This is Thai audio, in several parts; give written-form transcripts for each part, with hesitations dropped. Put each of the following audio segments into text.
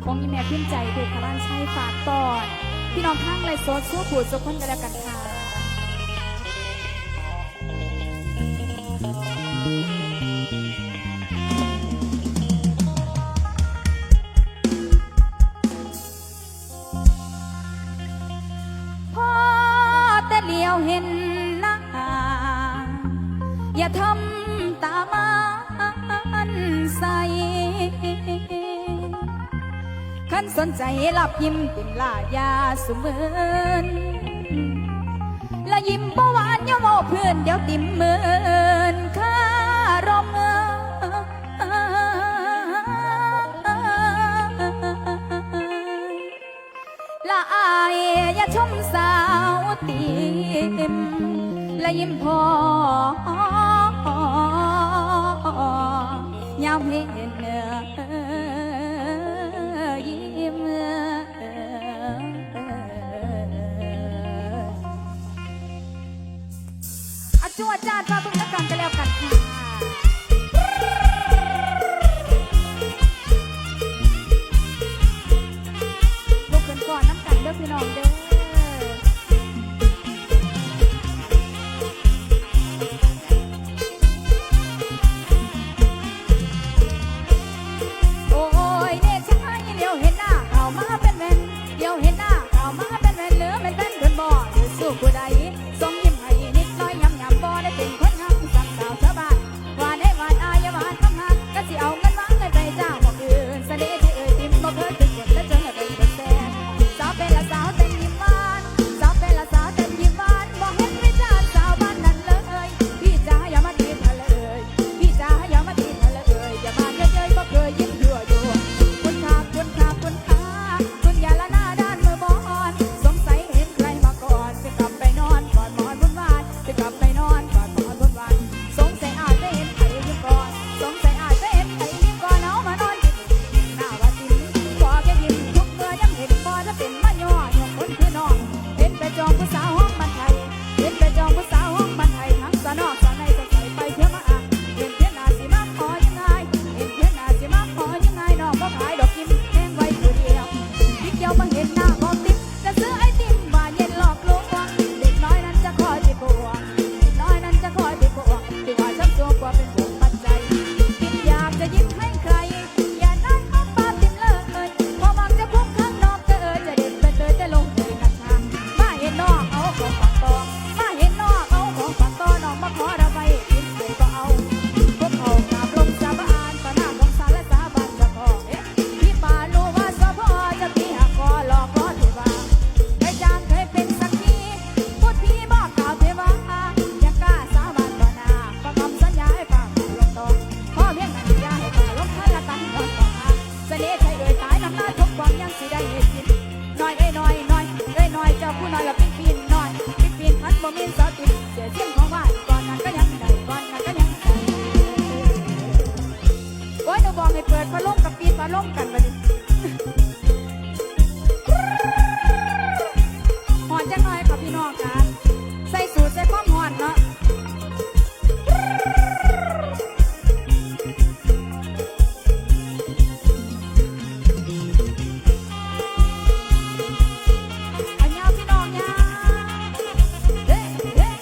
ของยี่แม่พิมพ์ใจเพชรพระราชัยฝากตอนพี่น้องข้างไรโซดสู้ผูดสุขคนกันแล้วกันค่ะพอแต่เลี้ยวเห็นหน้าอย่าทำตามันใสขันสนใจหลับยิ้มติ่มลายาสุเมินละยิ้มบ่หวานอย่าโมเพื่อนเดี๋ยวติ่มเมินข้ารมละอายอย่าชมสาวติ่มละยิ้มพอยามเห็นยิ้มจั่วจ้ามาเพิ่งนักกันกันแล้วกันค่ะลูกขึ้นก่อนน้ำกันเด้อพี่น้องเด้อผู้ใดส่งยิ้มให้นิดน้อยยำยำบ่ได้เป็นคนงามสั่งสาวชาวบ้านว่าได้วานอายาวานคำหักก็สิเอาเงินวางเงินไปจ้างบอกอื่นเสน่ห์ที่เอ่ยติมบ่เคยถึงกดและเจอให้เป็นคนแสนสาวเป็นละสาวเต้นยิ้มหวานสาวเป็นละสาวเต้นยิ้มหวานบ่เห็นวิจารณ์สาวบ้านนั้นเลยพี่จ๋าอย่ามาตีเธอเลยพี่จ๋าอย่ามาตีเธอเลยอย่ามาเย้ยๆบ่เคยยิ้มยั่วยั่วคุณค่าคุณค่าคุณค่าคุณอย่าละหน้าด้านมือบอนสงสัยเห็นใครมาก่อนจะกลับไปนอนก่อนหมอนวุ่นวายจะกลับไปนอนก่อนหมอนวุ่นวายสงสัยอาจจะเห็นใครยิ้มก่อนสงสัยอาจจะเห็นใครยิ้มก่อนเอามานอนยิ้มหน้าว่าจิ้มขอแค่ยิ้มทุกเมื่อยังเห็นบ่ถ้าเป็นมาย่อยกคนคือน้องเห็นไปจองผู้สาวห้องมันไทยเห็นไปจองผู้สาวห้องมันไทยทั้งสะนอกสะในสะใสไปเที่ยวมาอ่ะเห็นเพี้ยนหน้าสิมาขอยังไงเห็นเพี้ยนหน้าสิมาขอยังไงน้องก็ขายดอกยิ้มแห้งไว้ตัวเดียวพี่เกี่ยวมาเห็นหน้าบอกติ๊บจะซื้อไอติมว่าเย็นหลอกลวงเด็กน้อยนั้นจะคอยไปบวกเด็กน้อยนั้นจะคอยไปบวกที่ว่าฉันตัวกว่าเป็นห่วงปัจจัยคิดอยากจะยิ้มให้ใครอย่านั่งเอาปาติมเลยพอมักจะพุ่งข้างนอกจะจะเด็ดไปเลยจะลงเลยกระชากมาเห็นนอกเอาของฝักตอมาเห็นนอกเอาของฝักตอน้องมาขอระบายกินเลยก็เอาพวกเขากราบลงสาบานต่อหน้าของศาลและสาบานจะพอพี่ป่ารู้ว่าสะพอจะพี่หักคอหลอกล้อเทวาเคยจางเคยเป็นสักทีพูดพี่บอกกล่าวเทวายังกล้าสาบานต่อหน้าประคำสัญญาให้ป่าลงต่อพ่อเพียงนั้นยาให้ป่าลงทันละกันนอนต่อมาเสน่ห์ไทยเอ่ยตายน้ำตาทุกความยังสิได้เห็นกินน้อยน้อยน้อยน้อยเจ้าผู้น้อยละปีนน้อยปีนพัดบ่มีสติเสียเสียงของว่าก่อนนั้นก็ยังได้ก่อนนั้นก็ยังได้โอ้ยหนูบอกให้เปิดพัดลมกับปีนพัดลมกันไปดิหอนจังหน่อยค่ะพี่น้องค่ะใส่สูทใส่ความหอนเนาะเอาเงาพี่น้องเงาเฮ้เฮ้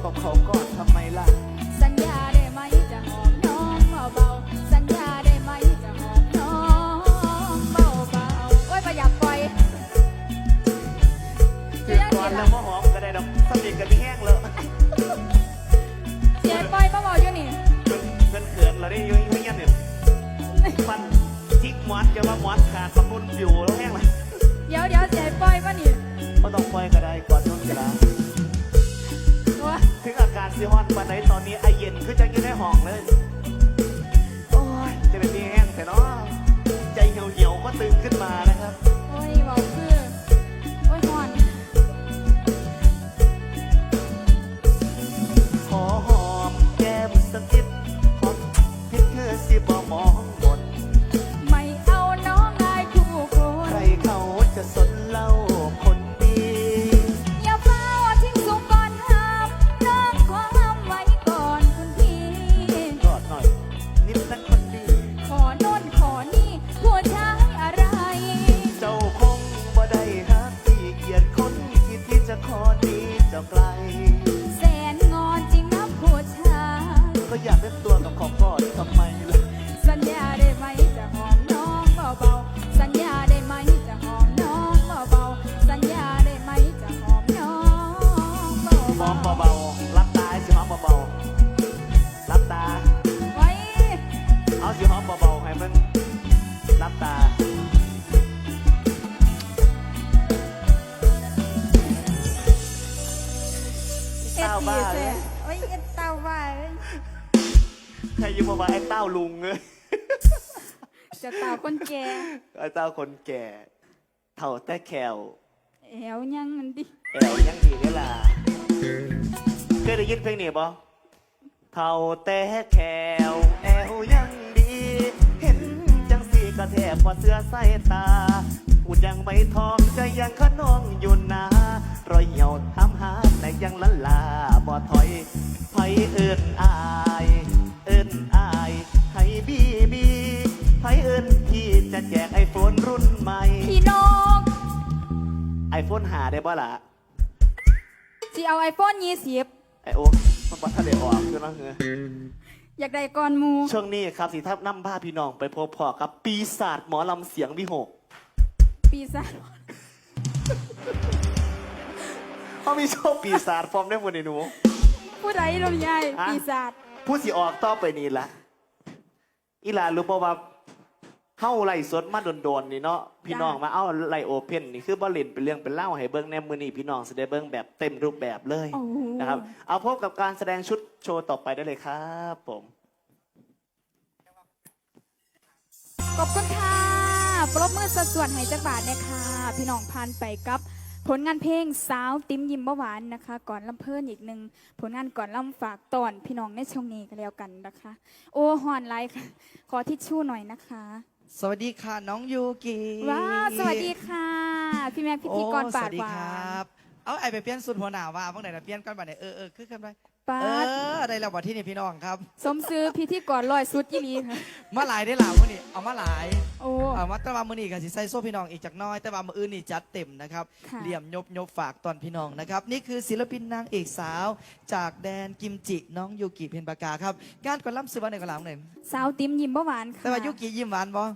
กับเขาก่อนทำไมล่ะสัญญาได้ไหมจะหอมน้องเบาๆสัญญาได้ไหมจะหอมน้องเบาๆโอ้ยประหยัดปล่อยคือก่อนแล้วว่าหอมก็ได้ดอกสนิทกันไม่แห้งเลยเสียปล่อยเบาๆอยู่นี่เพื่อนเขินเราได้ยุ่งยันเนี่ยฟันจิกหมอนจะว่าหมอนขาดประคุณอยู่แล้วแห้งเลยเดี๋ยวเสียปล่อยป่ะนี่ก็ต้องปล่อยก็ได้ก่อนช่วงเวลาถึงอาการซีฮอนวันไหนตอนนี้ไอเย็นคือจะกินได้ห้องเลยโอ้ยจะเป็นมีแห้งแต่เนาะใจเหี่ยวก็ตึงขึ้นมานะครับโอ้ยเบาคือโอ้ยหอนขอหอมแก้มสักนิดขอพิดเธอสิบ่มองหมดไม่เอาน้องอายคู่คนใครเขาจะสนเล่าคนดีอย่าเฝ้าทิ้งสูงก่อนห้ามน้องขอห้ามไว้ก่อนคุณพี่กอดหน่อยนิดนักคนดีขอโน่นขอนี่ผู้ชายอะไรเจ้าคงบ่ได้ฮักที่เกียดคนคิดที่จะขอดีเจ้าไกลแสนงอนจริงนะผู้ชายก็อยากได้ตัวกับของกอดทำไมล่ะสัญญาได้ไหมจะหอมน้องเบาๆสัญญาได้ไหมจะหอมน้องเบาๆสัญญาได้ไหมจะหอมน้องเบาๆหอมเบาๆรับตาสิหอมเบาๆรับตาไว้เอาสิหอมเบาๆให้มันรับตาเต้าบ้าเลยโอ้ยเต้าบ้าเลยใครอยู่มาว่าไอ้เต้าลุงเลยจะเต้าคนแก่ไอ้เต้าคนแก่เท่าแต่แขวแอวยังมันดิแอวยังดีนี่ล่ะเคยได้ยินเพลงนี้บ่เท่าแต่แขวแอวยังดีเห็นจังสีกระแทบพอเสื้อใส่ตาพูดยังไม่ทองใจยังขนองอยู่นารอยเหี่ยวทำหาแต่ยังละลาบ่ถอยไผเอิ้นอายเอิ้นอายให้บีไผเอิ้นพี่จะแจกไอโฟนรุ่นใหม่พี่น้องไอโฟนหาได้บ่ล่ะสิเอาไอโฟน20 ไอโอ้มันบ่ทันได้ออกคือเนาะอยากได้ก่อนหมู่ช่วงนี้ครับสิทับนำพาพี่น้องไปพบพ่อกับปีศาจหมอลำเสียงวิหกปีศาจเขามีโชว์ปีศาจฟอร์มได้หมดในหนูผู้ใดลงใหญ่ปีศาจผู้สิออกต่อไปนี่ละอีหลารู้ป่าวว่าเข้าไล่สดมาโดนๆนี่เนาะพี่น้องมาเอาไล่โอเพนนี่คือบ่เล่นเป็นเรื่องเป็นเล่าให้เบิ้งแนมมือนี่พี่น้องแสดงเบิ้งแบบเต็มรูปแบบเลยนะครับเอาพบกับการแสดงชุดโชว์ต่อไปได้เลยครับผมขอบคุณค่ะปรบมือส่วนให้จักบาทนะคะพี่น้องพันไปกับผลงานเพลงสาวติ้มยิ้มเบาหวานนะคะก่อนลำเพลินอีกหนึ่งผลงานก่อนลำฝากตอนพี่น้องในช่วงนี้กันแล้วกันนะคะโอ้ฮอนไลค์ค่ะขอทิชชู่หน่อยนะคะสวัสดีค่ะน้องยูกิว้าสวัสดีค่ะพี่แม่พิธีกรปาดหวานเอาไอไปเปลี่ยนสุดหัวหน้าว่าบ้างไหนนะเปลี่ยนก่อนบ้างไหนคือกันไปป้าได้แล้ววันที่นี่พี่น้องครับสมซื้อพิธีกรลอยสุดยี่ลีค่ะมาหลายได้หล่ามื่อนี้เอามาหลายโอ้มาแต่ว่ามื่อนี้กับสิใส่โซ่พี่น้องอีกจากน้อยแต่ว่ามื่ออื่นนี่จัดเต็มนะครับเหลี่ยมยบฝากตอนพี่น้องนะครับนี่คือศิลปินนางเอกสาวจากแดนกิมจิน้องยูกิเพนปากาครับงานก่อนล่ำซื้อวันไหนก่อนล่ำไหนสาวติ้มยิ้มเบาหวานค่ะแต่ว่ายูกิยิ้มหวานบ่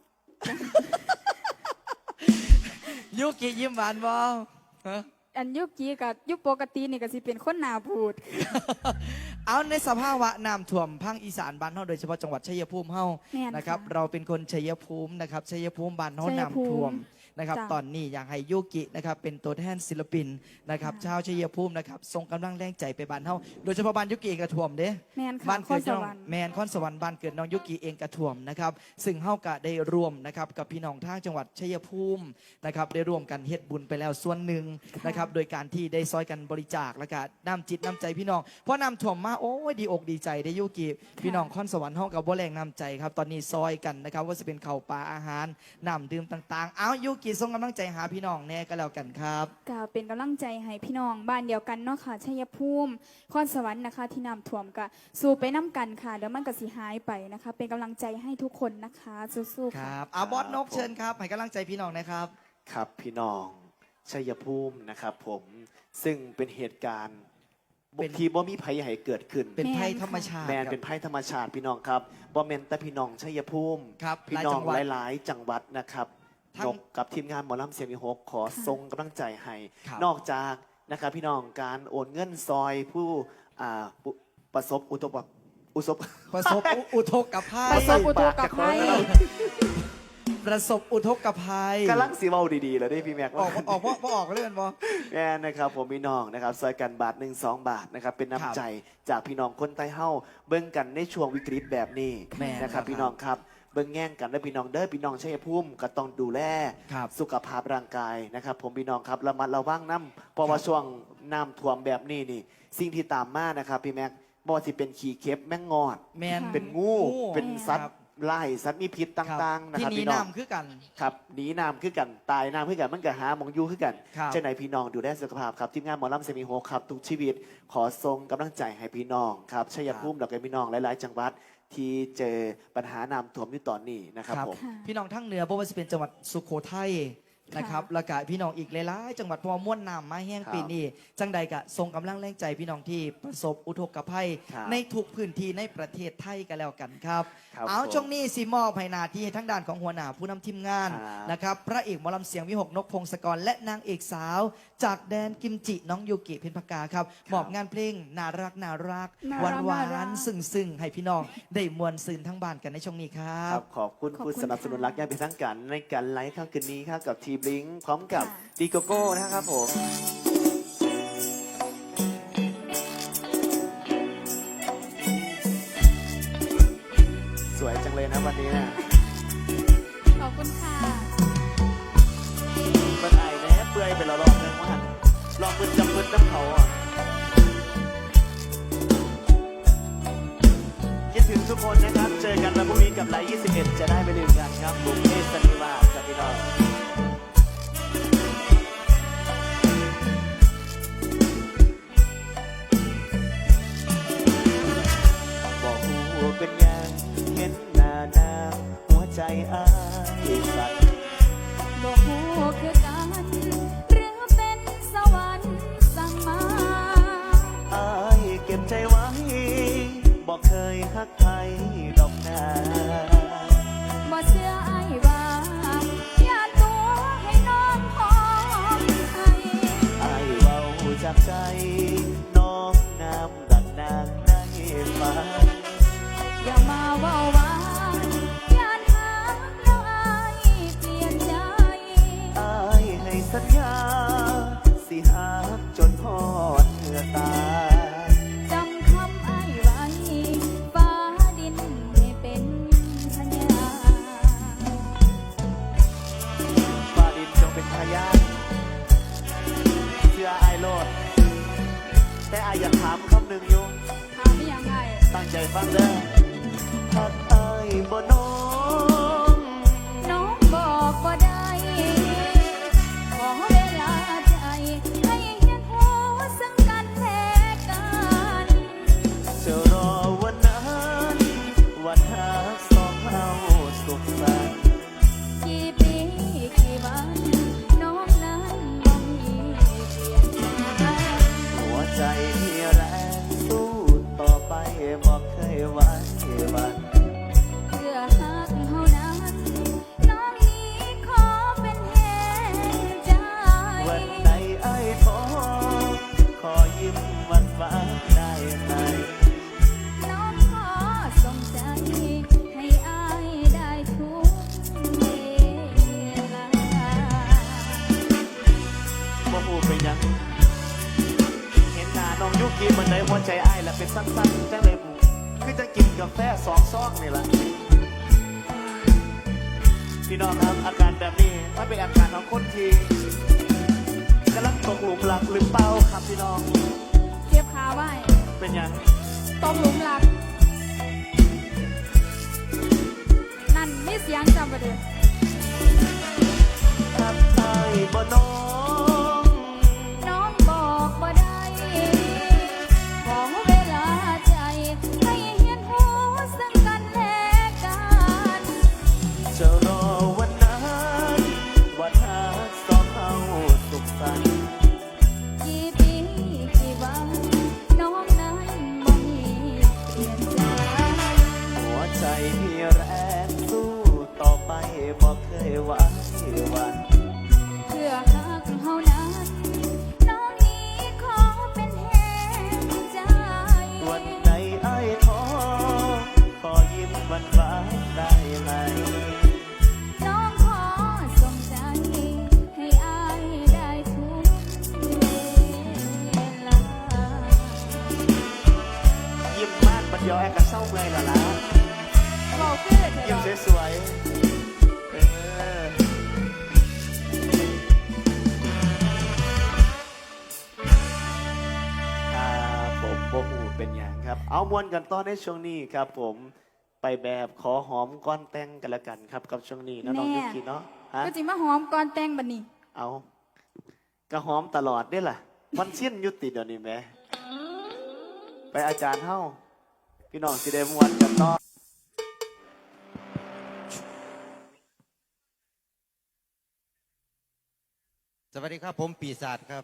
ยูกิยิ้มหวานบ่อันยุกีกับยุปกตินี่ก็สิเป็นคนหนาพูดเอาในสภาวะน้ำท่วมภาคอีสานบ้านเฮาโดยเฉพาะจังหวัดชัยภูมิเฮานะครับเราเป็นคนชัยภูมินะครับชัยภูมิบ้านเฮาน้ำท่วมนะครับตอนนี้อยากให้ยูกินะครับเป็นตัวแทนศิลปินนะครับชาวชัยภูมินะครับส่งกำลังแรงใจไปบ้านเฮาโดยเฉพาะบ้านยูกิเองกระท่วมเด้บ้านเกิดน้องแมนคอนสวรรค์บ้านเกิดน้องยูกิเองกระท่วมนะครับซึ่งเฮากะได้ร่วมนะครับกับพี่น้องทางจังหวัดชัยภูมินะครับได้ร่วมกันเฮ็ดบุญไปแล้วส่วนหนึ่งนะครับโดยการที่ได้ซอยกันบริจาคและก็น้ำจิตน้ำใจพี่น้องเพราะน้ำท่วมมาโอ้ยดีอกดีใจได้ยูกิพี่น้องคอนสวรรค์เฮากับบ่แรงน้ำใจครับตอนนี้ซอยกันนะครับว่าจะเป็นข้าวปลาอาหารน้ำดื่มต่างๆเอายูกิส่งกำลังใจหาพี่น้องแน่ก็แล้วกันครับก็เป็นกำลังใจให้พี่น้องบ้านเดียวกันเนาะค่ะชัยภูมิคอนสวรรค์นะคะที่น้ำท่วมก็สู้ไปน้ำกันค่ะเดี๋ยวมันก็สิหายไปนะคะเป็นกำลังใจให้ทุกคนนะคะสู้ๆครับบอสนกเชิญครับให้กำลังใจพี่น้องนะครับครับพี่น้องชัยภูมินะครับผมซึ่งเป็นเหตุการณ์ทีบ่มีภัยให้เกิดขึ้นเป็นภัยธรรมชาติแมนเป็นภัยธรรมชาติพี่น้องครับบ่แมนแต่พี่น้องชัยภูมิครับพี่น้องหลายจังหวัดหลายๆจังหวัดนะครับทั้งนกกับทีมงานหมอลำเสียงมีหกขอส่งกำลังใจให้ครับนอกจากนะครับพี่น้องการโอนเงินซอยผู้ประสบอุทกประสบอุทกภัยประสบอุทกภัยประสบอุทกภัยกำลังสีเว้าดีๆแล้วได้พี่แม็กออกว่าออกเลื่อนบอแม่นะครับผมพี่น้องนะครับซอยกันบาท1-2 บาทนะครับเป็นครับน้ำใจจากพี่น้องคนใต้เฮ้าเบิ่งกันในช่วงวิกฤตแบบนี้แม่นะครับครับพี่น้องครับเบิ่งแง่งกันและพี่น้องเด้อพี่น้องชัยภูมิก็ต้องดูแลครับสุขภาพร่างกายนะครับผมพี่น้องครับระมัดระวังน้ำเพราะว่าช่วงน้ำท่วมแบบนี้นี่สิ่งที่ตามมานะครับพี่แม็กบอสิเป็นขี่เข็บแมงงอดแมนเป็นงูเป็นสัตครัว์บไล่สัตว์มีพิษต่างๆนะที่ครับหนีพี่น้องน้ำคือกันครับหนีน้ำคือกันตายน้ำคือกันมันก็หาหมองอยู่คือกันครับเจ้าไหนพี่น้องดูแลสุขภาพครับทีมงานหมอลำเซมิโฮครับทุกชีวิตขอส่งกำลังใจให้พี่น้องครับชัยภูมิดอกไม้พี่น้องหลายๆ จังหวัดที่เจอปัญหาน้ำท่วมอยู่ตอนนี้นะครับผมค่ะพี่น้องทั้งเหนือเพราะว่าจะเป็นจังหวัดสุโขทัยนะครับแล้วก็พี่น้องอีกหลายๆจังหวัดเพราะว่าม่วนน้ำมาแห้งครับปีนี้จังใดกะทรงกำลังแรงใจพี่น้องที่ประสบอุทกภัยครับในทุกพื้นที่ในประเทศไทยกันแล้วกันครับครับเอาผมช่วงนี้สิมอบให้หนาที่ให้ทั้งด้านของหัวหน้าผู้นำทีมงานครับนะครับพระเอกหมอลำเสียงวิหกนกพงศกรและนางเอกสาว จากแดนกิมจิน้องยูกิเพ็ญพกาครับมอบงานเพลงน่ารักหน่ารักวานหวาน่ารันกซึ้งให้พี่น้องได้มวลซืนทั้งบ้านกันในช่วงนี้ครัครับ บขอบคุณขอบคุณผู้สนับสนุนค่ะรักย่างเป็นทั้งกันในการไลฟ์ค่ำคืนนี้ครับกับทีบลิงพร้อมกับค่ะดีโกโก้นะครับผมสวยจังเลยนะวันนี้นะขอบคุณค่ะเมื่อไอ้แน่เปื่อยไปแล้วรอบนึงว่าลองมือจับมือน้ำเขาอ่ะคิดถึงทุกคนนะครับ เจอกันวันพรุ่งนี้กับไลฟ์21 จะได้ไปดื่มกันครับบุกเทสนิวาสกับพี่น้องบอกหูเป็นยังเห็นหน้านางหัวใจอ้ายสั่นบอกหูคือกันหรือเป็นสวรรค์สั่งมาอายเก็บใจไว้ บอกเคยฮักใครดอกนาบ่เชื่อไอ้ว่าอย่าตัวให้น้องหอมไอ้อายเบาจากใจ น้องงามดังนางได้ฟังอย่ามาเว่าหวานอย่าถามแล้วไอ้เปลี่ยนใจอายให้สัญญา สิหักจนพอดเมื่อตายจำคำไอ้ไว้ฟ้าดินให้เป็นพยานฟ้าดินจงเป็นพยานเชื่ออายโลด แต่อายอยากถามคำหนึ่งอยู่ถามยังไงตั้งใจฟังเด้อหักอายบ่น้องน้องบอกว่าได้ ขอเวลาใจให้เห็นหัวซึ่งกันและกันจะรอวันนั้นวันหักสองเฮาสุขสันต์กี่ปีกี่วันน้องนั้นบ่มีเปลี่ยนแปลงหัวใจที่แรงสู้ต่อไปบอกเคยหวันหวันเพื่อหักเท่านั้น น้องนี้ขอเป็นแห่งใจวันใดไอ้ขอขอยิ้มวันฟ้าได้ไหมน้องขอส่งใจให้อายได้ทุกเวลาว่าหูเป็นหยัง เห็นหน้าน้องยุกีบันไดหัวใจไอ้ายและเป็นสั้นๆจังเลยบูคือจะกินกาแฟ2 ซองนี่ละพี่น้องครับอาการแบบนี้มันเป็นอาการของคนที่กำลังตกหลุมรักหรือเปล่าครับพี่น้องเก็บขาไว้เป็นหยังตรงหลุมรัก นั่นมีเสียงจำประเด็นทักทายบ่น้องน้องบอกบ่ได้ ขอเวลาใจ ให้เห็นหัวซึ่งกันและกันจะรอวันนั้นวันหักสองเฮาสุขสันต์กี่ปีกี่วันน้เดียวไอ้กันเศร้าเมื่อยแล้วล่ะเบาคือเธอยิ้มดอกสวยๆครับผมโบหูเป็นอย่างครับ เอามวนกันต่อในช่วงนี้ครับผมไปแบบขอหอมก้อนแต่งกันละกันครับกับช่วงนี้นะน้องยุกิเนาะฮะก็จิมาหอมก่อนแต่งบัดนี้เอากระหอมตลอดได้ล่ะ มันเชี่ยนยุติเดี๋ยวนี้แหม่ไปอาจารย์เฮ้าพี่น้องสิเดมวนกันต่อสวัสดีครับผมปีศาจครับ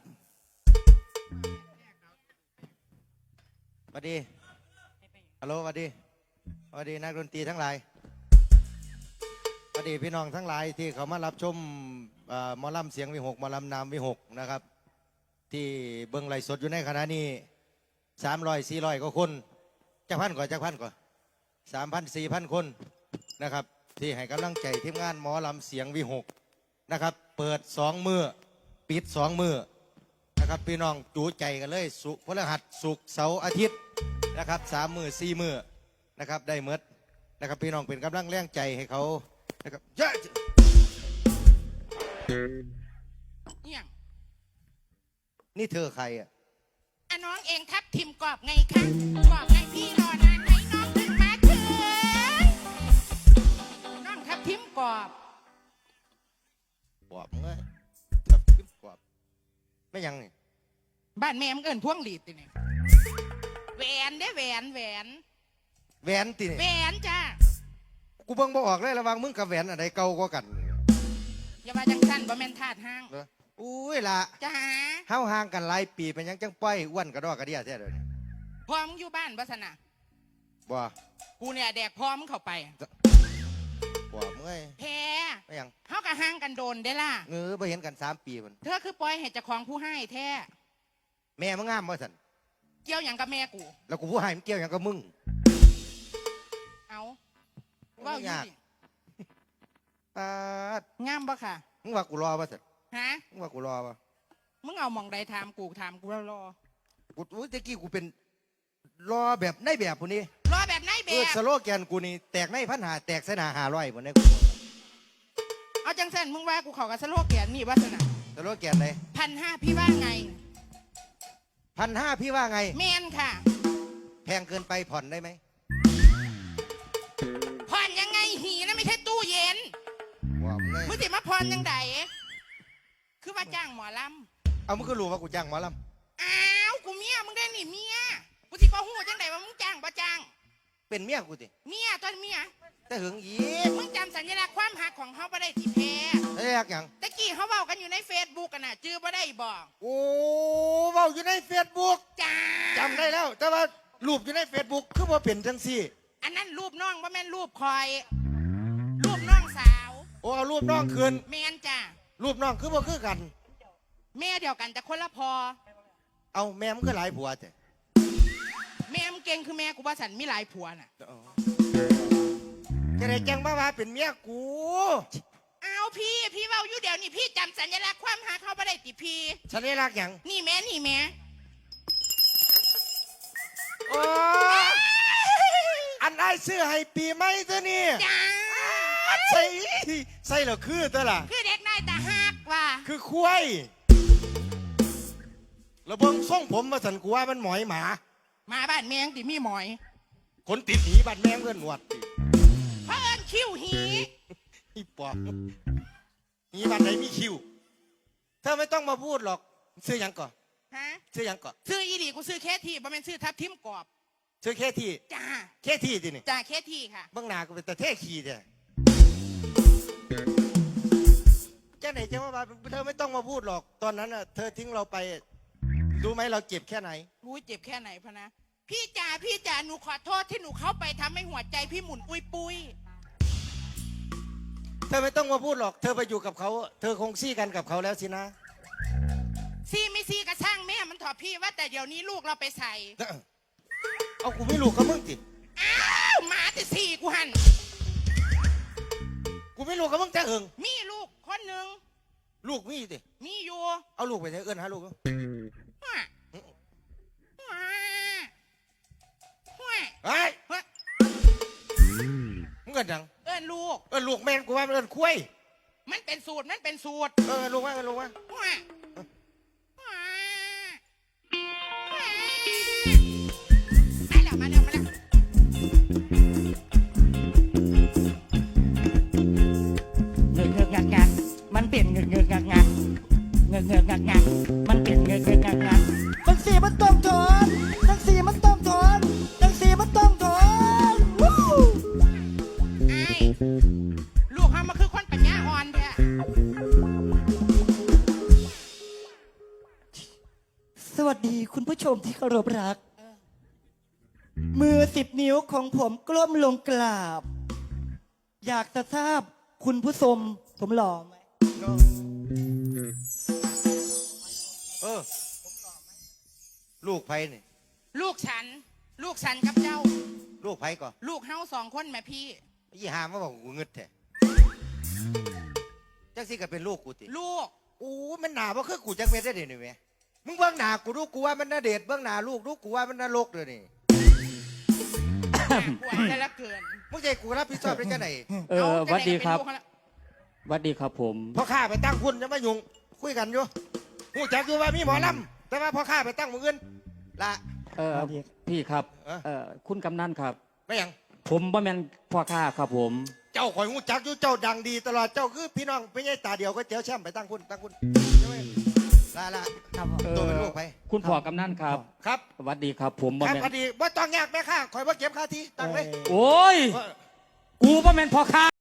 สวัสดีฮัลโหลสวัสดีสวัสดีนักดนตรีทั้งหลายสวัสดีพี่น้องทั้งหลายที่เขามารับชมหมอลำเสียงวิหกหมอลำนามวิหกนะครับที่เบิ้งไลฟ์สดอยู่ในขณะนี้300-400กว่าคนจักพันก่อน3,000-4,000 คนนะครับที่ให้กำลังใจทีมงานหมอลำเสียงวิหกนะครับเปิด2 มื้อปิด2 มื้อนะครับพี่น้องจูใจกันเลยสุพฤหัสศุกร์เสาร์อาทิตย์นะครับ3 มื้อ4 มื้อนะครับได้เมดนะครับพี่น้องเป็นกำลังแรงใจให้เขานะครับเยอะเนี่ยนี่เธอใครอ่ะอ่ะน้องเองทับทิมกรอบไงคะกรอบไงพี่รอนานไหมน้องถึงมาถึงน้องทับทิมกรอบกวบเงยทับทิมกวบไม่ยังนี่บ้านแม่มึงเอินพวงหลีดติเนี่ยแหวนได้แหวนแหวนแหวนตีแหวนี่นจ้ากูเบิ่งบ่ออกเลยระหวังมึงกับแหวนอะไรเก่ากว่ากันอย่ามาจังสั้นบ่แม่นธาตุห้างเหรออุ้ยล่ะจ้าเฮาห่างกันหลายปีเป็นหยังจังป้อยอ้วนกระดอกกระเดียแท้เดี๋ยวนี้พอมึงอยู่บ้านบัสนะบ่กูเนี่ยแดกพอมึงเข้าไปบ่เมื่อยแพ้ไม่ยังเฮากะห่างกันโดนได้ล่ะบ่เห็นกัน3 ปีมันเธอคือปล่อยให้เจ้าของผู้ให้แท้แม่มึงงามบ่สันเกี่ยวอย่างกับแม่กูแล้วกูผู้ให้มันเกี่ยวหยังกับมึงเอาเว่าอยู่ดิปาดงามบ่ค่ะมึงว่ากูรอบ่สันฮะมึงว่ากูรอบ่มึงเอามองใดถามกูแล้วรอกูอุ้ยตะกี้กูเป็นรอแบบในแบบผู้นี้รอแบบไหนแบสบโลแกนกูนี่แตกใน1,500แตกเสนา500บ่ได้เอาจังสันมึงว่ากูเขากับสโลแกนนี่วัสนาสโลแกนเลย 1,500พี่ว่าไง 1,500พี่ว่าไงแมนค่ะแพงเกินไปผ่อนได้ไหมผ่อนยังไงหีนะไม่ใช่ตู้เย็นว้าวเลยมึงสิมาผ่อนยังไงคือว่าจ้างหมอลเอามึงก็รู้ว่ากูจ้างหมอลำอ้าวกูเมียมึงได้หนิเมียกูสิบ่ฮู้จังไดว่ามึงจ้างบ่จ้างำเป็นเมียกูติเมียตอนเมียแต่หึงอีกมึงจำสัญลักษณ์ความหักของเขาบ่ได้ที่แพ้เรียกหยังตะกี้เขาเว้ากันอยู่ในเฟซบุ๊กกันน่ะจื้อบ่ได้บอกโอ้เว้าอยู่ในเฟซบุ๊กจ้าจำได้แล้ว แต่ว่ารูปอยู่ในเฟซบุ๊กคือว่าเป็นจังซี่อันนั้นรูปน้องบ่แม่นรูปคอย รูปน้องสาวโอ้เอารูปน้องคืนแมนจ้ารูปน้องคือบ่คือกันแม่เดียวกันแต่คนละพอเอาแม่มึงก็หลายผัวแต่แม่มึงเก่งคือแม่กูว่าสันมีหลายผัวน่ะจะได้แจ้งมาว่าเป็นเมียกูเอาพี่เว้าอยู่เดี๋ยวนี่พี่จำสัญลักษณ์ความหาเขาบ่ได้ติพี่ฉันได้รักหยังนี่แม่โอ้อันไอ้ซื้อให้ปีใหม่ตัวนี้จ้าใส่ใส่แล้วคือตัวล่ะคือเด็กนายตาหักว่ะคือควายแล้วเบิ่งทรงผมมาสันกูว่ามันหมอยหมามาบ้านแมงติมีหมอยคนติดหนีบัดแมงเพื่อนหนวดติเพราะเอิญคิ้วหีอีปอบหนีบัดไหนมีคิวเธอไม่ต้องมาพูดหรอกซื้อหยังก่อนฮะซื้อหยังก่อนซื้ออีหลีกูซื้อแค่ที่บ่แม่นซื้อทับทิมกรอบซื้อแค่ที่จ้าแค่ที่ดินี่จ้าแค่ที่ค่ะเบื้องหน้าก็เป็นแต่เท่ขี้เด้จ้าไหนจะว่าเธอไม่ต้องมาพูดหรอก ตอนนั้นน่ะเธอทิ้งเราไปรู้ไหมเราเจ็บแค่ไหนรู้เจ็บแค่ไหนพะนะพี่จ๋าหนูขอโทษที่หนูเข้าไปทำให้หัวใจพี่หมุนปุยปุยเธอไม่ต้องมาพูดหรอก เธอไปอยู่กับเขา เธอคงซี่กันกับเขาแล้วสินะซี่ไม่ซี่กระช่างแม่มันถอดพี่ว่าแต่เดี๋ยวนี้ลูกเราไปใส่เอากูไม่รู้กับมึงสิอ้าวหมาแต่สี่กูหันกูไม่รู้กับมึงแต่เอิงมีลูกคนหนึ่งลูกมีสิมีอยู่เอาลูกไปเถอะเอิ้นหาลูกว้าว้าว้าเฮ้ยกแม่นกูว่ามันเอินคุ้ยมันเป็นสูตรมันเป็นสูตรลูกว่าลูกว่าว้ามาแล้วเงือกเงือกงักงักมันเปลี่ยนเงือกเงือกงักงักเงือกเงือกงักงักมันเปลี่ยนเงือกเงือกงักงักตั้งสี่มันต้องถอนตั้งสี่มันต้องถอนตั้งสี่มันต้องถอนวู้ไอ้ลูกเขามาคือคนปัญญาอ่อนแท้สวัสดีคุณผู้ชมที่เคารพรัก มือ10 นิ้วของผมกล้มลงกราบ อยากจะทราบคุณผู้ชมผมหล่อไหมลูกไผ่นี่ลูกฉันกับเจ้าลูกไผ่ก่อนลูกเฮา2 คนแม่พี่ยี่หามาบอกกูเงึดแท้จังสิก็เป็นลูกกูติลูกอู้มันหนาบ่คือกูจังเม็ดได้เดี๋ยวนี้แม่มึงเบื้องหน้ากูดูกูว่ามันน่าเดชเบื้องหน้าลูกดูกูว่ามันน่ารกเลยนี่ปวดแต่ละเกินมึงใจกูรับผิดชอบได้จังไหนหวัดดีครับจะไเป็นลูกเขาละหวัดดีครับผมพ่อข้าไปตั้งคุณจะมายุ่งคุยกันอยู่หูจักอยู่ว่ามีหมอลำแต่ว่าพ่อข้าไปตั้งมือเงินละพี่ครับเออคุณกำนันครับไม่หยังผมบ่แม่นพ่อข้าครับผมเจ้าข่อยหูจักอยู่เจ้าดังดีตลอดเจ้าคือพี่น้องไม่ใช่ตาเดียวก็เจ้าแช่มไปตั้งคุณใช่ไหมละครับผมตัวเป็นลูกไปคุณพ่อกำนันครับครับสวัสดีครับ ผมบ่ครับแม่นพอดีว่าต้องยากแม่ข้าข่อยว่าเก็บค่าทีตั้งเลยโอ้ย กูบ่แม่นพ่อข้า